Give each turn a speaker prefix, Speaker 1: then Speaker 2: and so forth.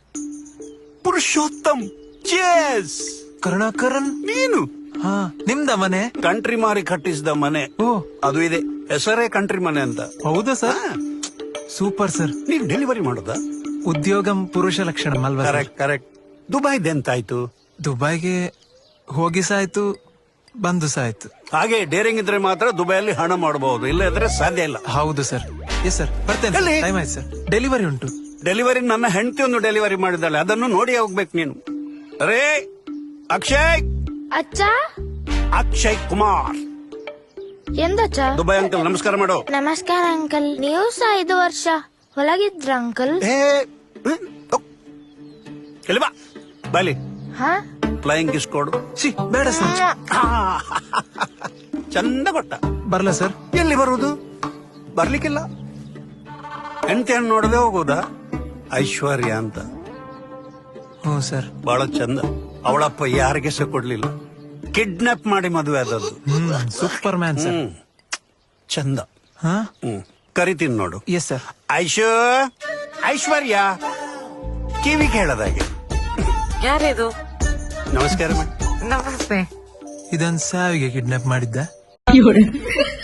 Speaker 1: Purushottam. Chase.
Speaker 2: Karunakaran
Speaker 1: ನೀನು
Speaker 2: ಹಾ ನಿಮ್ದ ಮನೆ?
Speaker 1: ಕಂಟ್ರಿ ಮಾರಿ ಕಟ್ಟಿಸಿದ ಮನೆ.
Speaker 2: ಓ
Speaker 1: ಅದು ಇದೆ, ಹೆಸರೇ ಕಂಟ್ರಿ ಮನೆ ಅಂತ.
Speaker 2: ಹೌದಾ ಸರ್? Super sir.
Speaker 1: ನೀವ್ ಡೆಲಿವರಿ ಮಾಡೋದಾ?
Speaker 2: ಉದ್ಯೋಗಂ ಪುರುಷ ಲಕ್ಷಣ ಅಲ್ವಾ?
Speaker 1: Correct correct. ದುಬೈದೆಂತಾಯ್ತು?
Speaker 2: ದುಬೈಗೆ ಹೋಗಿ ಸಾಯ್ತು, ಬಂದು ಸಾಯ್ತು.
Speaker 1: ಹಾಗೆ ಡೇರಿಂಗ್ ಇದ್ರೆ ಮಾತ್ರ ದುಬೈಯಲ್ಲಿ ಹಣ ಮಾಡಬಹುದು, ಇಲ್ಲ ಇದ್ರೆ ಸಾಧ್ಯ ಇಲ್ಲ.
Speaker 2: ಹೌದು ಸರ್. ಎಸ್ ಸರ್, ಬರ್ತೇನೆ.
Speaker 1: ಎಲ್ಲಿ?
Speaker 2: ಟೈಮ್ ಆಯ್ತು ಸರ್, ಡೆಲಿವರಿ ಉಂಟು.
Speaker 1: ಡೆಲಿವರಿ ನನ್ನ ಹೆಂಡತಿ ಒಂದು ಡೆಲಿವರಿ ಮಾಡಿದ್ದಾಳೆ, ಅದನ್ನು ನೋಡಿ ಹೋಗ್ಬೇಕು ನೀನು. ಅರೇ ಅಕ್ಷಯ್.
Speaker 3: ಅಚ್ಚ
Speaker 1: ಅಕ್ಷಯ್ ಕುಮಾರ್.
Speaker 3: ಎಂದಚ್ಚ?
Speaker 1: ದುಬೈ ಅಂಕಲ್ ನಮಸ್ಕಾರ ಮಾಡು.
Speaker 3: ನಮಸ್ಕಾರ ಅಂಕಲ್. ನೀವು ಸಹ 5 ವರ್ಷ ಒಳಗಿದ್ರ ಅಂಕಲ್?
Speaker 1: ಎಲ್ಲಿ ಬಾ ಬಾಲಿ.
Speaker 3: ಹಾ
Speaker 1: ಫ್ಲೈಯಿಂಗ್ ಕಿಸ್ ಕೊಡು.
Speaker 2: ಸಿ ಬೇಡ ಸರ್.
Speaker 1: ಚಂದ ಕೊಟ್ಟ.
Speaker 2: ಬರ್ಲಾ ಸರ್?
Speaker 1: ಎಲ್ಲಿ ಬರುವುದು? ಬರ್ಲಿಕ್ಕಿಲ್ಲ. ಹೆಂಡತಿಯನ್ನು ನೋಡದೆ ಹೋಗುದಾ? ಐಶ್ವರ್ಯ ಅಂತ
Speaker 2: ಹ್ಞೂ ಸರ್.
Speaker 1: ಬಹಳ ಚಂದ. ಅವಳಪ್ಪ ಯಾರಿಗೆ ಸಹ ಕೊಡ್ಲಿಲ್ಲ, ಕಿಡ್ನಾಪ್ ಮಾಡಿ ಮದುವೆ ಆದದ್ದು.
Speaker 2: Superman sir.
Speaker 1: ಚಂದ.
Speaker 2: ಹಾ
Speaker 1: ಕರಿತೀನಿ ನೋಡು.
Speaker 2: Yes sir.
Speaker 1: ಐಶ್ವರ್ಯ ಕಿವಿ ಕೇಳದಾಗೆ.
Speaker 4: ಯಾರಿದು?
Speaker 1: ನಮಸ್ಕಾರ ಮಾಡಿ.
Speaker 4: ನಮಸ್ತೆ.
Speaker 2: ಇದನ್ ಸಾವಿಗೆ ಕಿಡ್ನಾಪ್ ಮಾಡಿದ್ದ.